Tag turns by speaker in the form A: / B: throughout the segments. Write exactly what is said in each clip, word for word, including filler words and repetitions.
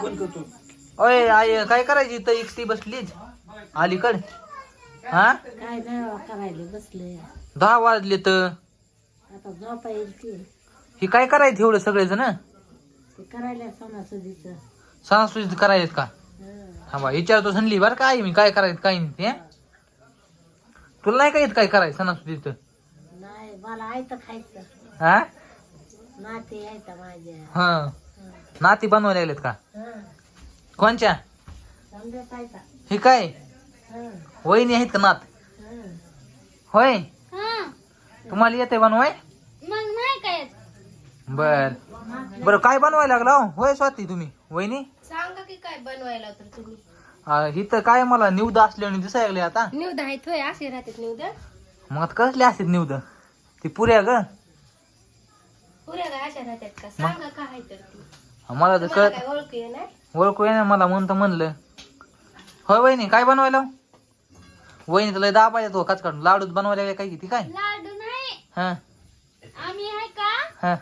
A: ओय आई काय करायची तर एकटी बसलीच अलीकड हा
B: काय नाही करायला बसले
A: दहा वाजले तर
B: आता झोपा येईल की
A: हे काय करायचं एवढं सगळेजण
B: ते करायला सणासुदीच
A: सणासुदीच करायचं का हा बा विचारतो संडली बरं काय मी काय करायचं काय नाही ते तुला नाही काय येत काय करायचं सणासुदीच
B: नाही मला आयतं खायचं
A: हा
B: नाते यायचं माझ्या
A: हा नाती बनवायला लागलेत का कोणच्या
B: समजा खायचा
A: हे काय वहिनी आहेत का नात होय तुम्हाला येते बनवाय
C: मग नाही काय
A: बर बर काय बनवायला लागला हो? होय स्वाती तुम्ही वहिनी
C: सांगा की काय बनवायला तर तुम्ही
A: आ, इथं काय मला निवद असल्याने दिसायला लागले आता
C: निवद आहेत होय असे राहतात निवद
A: मग आता कसले असतात निवद ती पुऱ्या ग
C: पुऱ्या काय अशा राहतात का सांगा काय आहे तर ती
A: मला तर
C: तुम्हाला
A: कळत
C: काय ओळखू येणार
A: ओळखू येणार मला म्हणतं म्हणलं होय वहिनी काय बनवायला वहिनी तुला दाबा येतो काच काढून लाडूच बनवायला लागले काय किती काय
C: लाडू नाही
A: हा
C: आम्ही आहे का
A: हा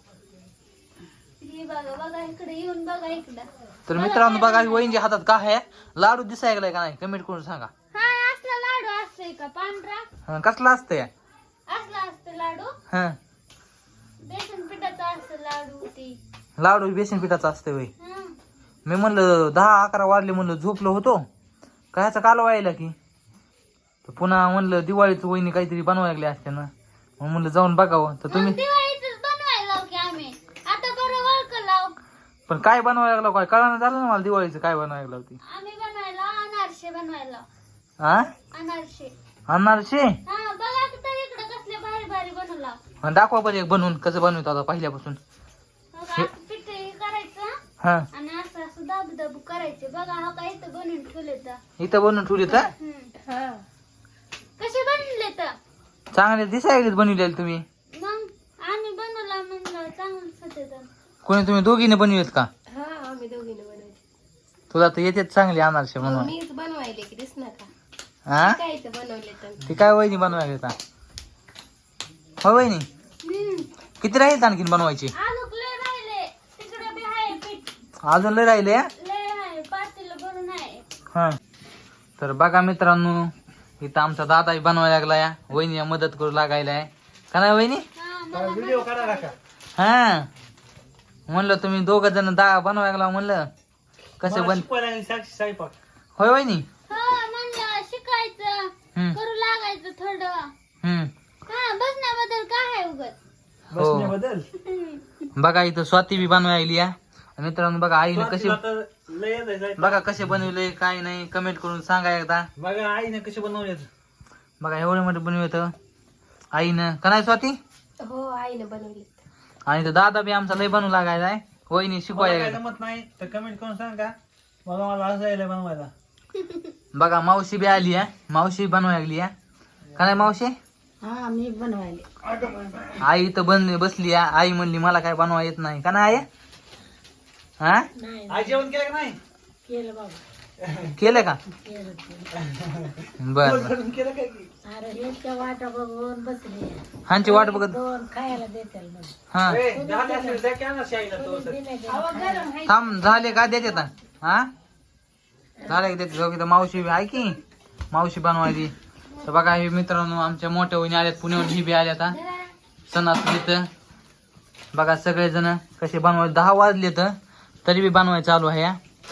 C: हे बघा बघा इकडे येऊन बघा इकडं
A: तर मित्रांनो बघा ही वहिनीच्या हातात काय आहे लाडू दिसायला लागलाय का नाही कमेंट करून सांगा
C: हा असला लाडू असतोय का पांढरा
A: हा, कसला असतंय
C: असला असतं लाडू
A: हा
C: बेसन पिठाचा असतं लाडू ती
A: लाडू बेसन पिठाचा असतंय वय
C: हं.
A: मी म्हणलं दहा अकरा वाजले म्हणलं झोपलो होतो कायचा काल व्हायला की तर पुन्हा म्हणलं दिवाळीचं वहिनी काहीतरी बनवायला लागले असते ना मग म्हणलं जाऊन बघावं तर तुम्ही
C: मग दिवाळीचंच बनवायला लावू की आम्ही आता बरं वळख लाव
A: पण काय बनवायला लागलं काय कळानं झालं ना मला दिवाळीचं काय बनवायला लागलं होती
C: आम्ही बनवायला अनारसे बनवायला
A: हा
C: अनारसे
A: अनारसे
C: हा बघा की तर इकडे कसले भारी भारी बनवला
A: आणि दाखवा बरं एक बनवून कसं बनवतो आता पहिल्यापासून
C: बघा असं पिठ हे करायचं
A: हा
C: आणि असं असं दाबू दाबू करायचे बघा हा काय इथं बनवून ठेवले तर
A: इथं बनवून ठेवली तर
C: हं. कसे बनले तर
A: चांगले दिसायला बनवलेले तुम्ही
C: मग आम्ही बनवला म्हणलं चांगलं सत्य
A: कोणी तुम्ही दोघीने बनवलेत का
C: हा आम्ही दोघीने बनवले
A: तुला तर येतेच चांगले अनारसे बनवा
C: मीच बनवायले की दिस नका
A: हा
C: काय इथं बनवले तर
A: ती काय वहिनी बनवायला येता हो वहिनी किती राहील आणखीन बनवायची
C: आलूक लय राहिले तिकडे बी आहे पीठ
A: अजून लय राहिले
C: लय आहे पातेलं भरून आहे
A: हा तर बघा मित्रांनो इथं आमचा दादा बनवायला लागला या वहिनी मदत करू लागायला आहे का नाही वहिनी
C: हा मला
A: हा म्हणलं तुम्ही दोघ जण दा बनवायला लागला म्हणलं कसं बन होय वहिनी
C: हा म्हणलं शिकायचं
A: हम्म
C: करू लागायचं थोडं
A: हम्म
C: हा बसण्याबद्दल काय आहे उगत
A: हो बघा इथं स्वाती बी बनवायला लागली या मित्रांनो बघा आईने कसे बघा कसे बनवले काय नाही कमेंट करून सांगा एकदा
D: बघा आईने कसे बनवले
A: बघा एवढे मोठे बनवत आईनं का नाही स्वाती
C: हो आईने बनवले
A: आणि तो दादा बी आमचा लय बनवू लागायला आहे वहिनी शिकवायला
D: जमत नाही तर कमेंट करून सांगा मला मला हसायला बनवायला
A: बघा मावशी बी आली आहे मावशी बनवायला लागली आहे का नाही मावशी
B: हा मी बनवायले
A: आई इथं बन बसली आहे आई म्हणली मला काय बनवा येत नाही का नाही आई हा
B: नाही
D: आई जेवण केलं का नाही
B: केलं बाबा
A: केलं का
B: केलं केलं
A: बर बर.
D: जेवण केलं काय की
B: अरे ह्याच्या वाटा बघून बसली
A: हांची वाट बघत
B: दोन खायला देतील मग
A: हा
D: ए, झाले असेल तर क्या ना शाळेला तो तर.
B: दिले गेले.
A: थांब झाले का देते आता हा झाले का देते जाऊ की तर मावशी बी आहे की मावशी बनवायची तर बघा हे मित्रांनो आमच्या मोठ्या वहिनी आल्यात पुण्याहून ही बी आल्या आता सणासुदीत बघा सगळेजण कसे बनवायचे दहा वाजले तर तरी बी बनवायचं चालू आहे या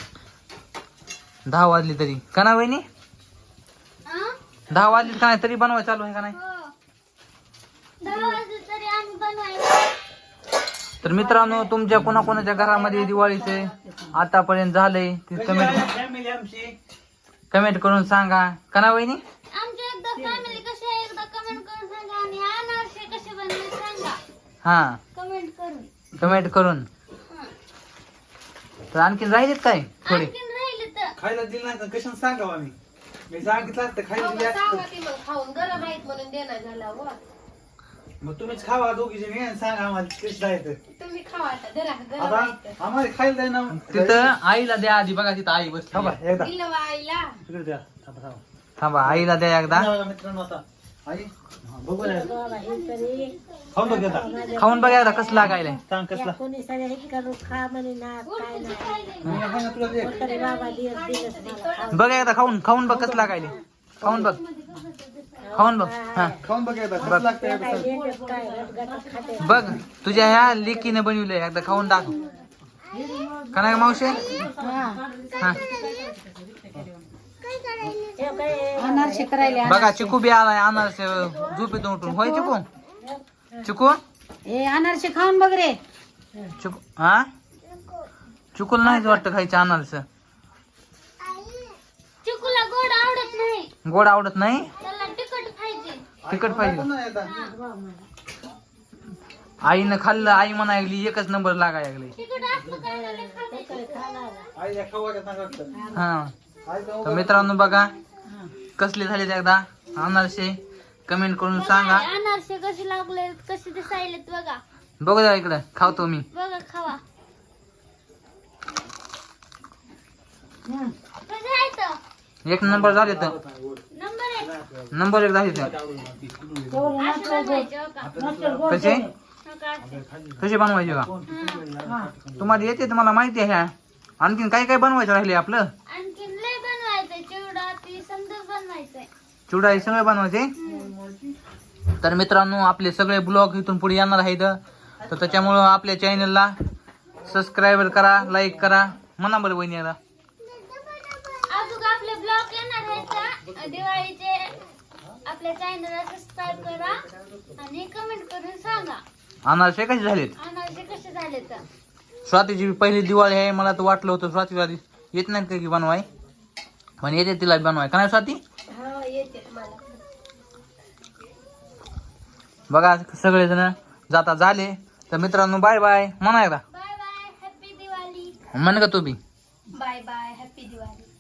A: दहा वाजले तरी का ना वहिनी
C: हा?
A: दहा वाजले का नाही तरी बनवायचं चालू आहे का नाही
C: हो. दहा वाजले तरी आम्ही बनवायला
A: तर मित्रांनो तुमच्या कोणाकोणाच्या घरामध्ये दिवाळीचे आतापर्यंत झालंय ते कमेंट
D: फॅमिली आमची
A: कमेंट करून सांगा का ना वहिनी
C: आमची एकदा फॅमिली कशी आहे एकदा कमेंट करून सांगा आणि अनारसे कसे बनले सांगा
A: हा
C: कमेंट करून
A: कमेंट करून
C: हं.
A: तर आणखीन राहिलेत काय थोडे
C: आणखीन राहिले तर
D: खायला दिलं नाही तर कशाने सांगावं आम्ही मी सांगितलं असतं खायला दिली
C: सांगा
D: असतं
C: की मग खाऊन गरम आहेत म्हणून देणार झाला व
D: मग तुम्हीच खावा दोघी जणी आणि सांगा आम्हाला कशी जायचं
C: तुम्ही खावा आता जरा गरम
D: आता
C: आहेत
D: आम्हाला खायला द्या ना
A: तिथं आईला द्या आधी बघा तिथं आई बस
D: थांबा एकदा
C: दिलं वा आईला
D: तिकडे द्या थांबा थांबा
A: थांबा आईला द्या एकदा
D: बघा मित्रांनो आता आई हा, बघू ना.
B: बाबा हे तरी
D: खाऊन बघ आता.
A: खाऊन बघा एकदा कसं लागायलंय.
D: सांग कसला.
B: कोणी सगळ्या हे करू खा म्हणे ना काय नाही
D: मी आहे ना तुला दे.
B: तरी बाबा दिवस दिवस मला खा.
A: बघ एकदा खाऊन खाऊन बघ कसं लागायले. खाऊन बघ खाऊन बघ हा
D: खाऊन बघ एकदा कसं लागतंय एकदा
B: काय
D: सांग.
B: लेंडच काय रटगाटच खाते
A: बघ तुझ्या ह्या लेकीने बनवलंय एकदा खाऊन दाखव. का नाही मावशी हा
B: अनारसे करायला
A: बघा चिकू बी आलाय अनारसे झोपेतून उठून होय चिकू चिकू
B: ए अनारसे खाऊन बघ रे
A: चिकू हा चिकूला नाहीच वाटतं खायचं अनारस.
C: चिकूला गोड आवडत नाही,
A: गोड आवडत नाही
C: त्याला तिखट पाहिजे.
A: तिखट पाहिजे.
D: खाऊन ना एकदा.
A: आईनं खाल्लं आई म्हणाय लागली एकच नंबर लागाय लागले.
C: तिखट असलं काय झालं खाते.
D: आई या खाऊ वाटत नाही वाटतं.
A: हा
D: आई खाऊ
A: तर मित्रांनो बघा कसले झाले एकदा अनारसे कमेंट करून सांगा.
C: अनारसे कसे लागले कसे दिसायलेत बघा.
A: बघू द्या इकडे खावतो मी.
C: बघा खावा. कसे आहेत?
A: एक नंबर झाले तर
C: नंबर एक.
A: नंबर एक झाले तर
C: असे बनवायचे हो का?
A: कसे
C: हो का असे?
A: कसे बनवायचे का
C: हा.
A: तुम्हाला येते तुम्हाला माहिती आहे ह्या आणखीन काय काय बनवायचं राहिले आपलं.
C: आणखीन लय बनवायचंय चिवडा ती समजा बनवायचंय.
A: चिवडा हे सगळे बनवायचे. तर मित्रांनो आपले सगळे ब्लॉग इथून पुढे येणार आहेत तर त्याच्यामुळं आपल्या चॅनलला सबस्क्राईब करा लाईक करा म्हणा बरं वहिनी याला.
C: अजून आपले ब्लॉग येणार आहेत का दिवाळीचे. आपल्या चॅनलला सबस्क्राईब करा आणि कमेंट करून सांगा
A: अनारसे कसे झालेत.
C: अनारसे कसे झाले तर.
A: स्वातीची पहिली दिवाळी आहे मला तर वाटलं होतं स्वातीला येत नाही का की बनवाय पण येते तिला बनवाय का नाही स्वाती.
B: हा येते मला
A: बघा सगळेजण जाता झाले तर मित्रांनो बाय बाय म्हणा एकदा
C: बाय बाय हॅपी दिवाळी.
A: म्हण का तू बी.
C: Bye bye happy Diwali.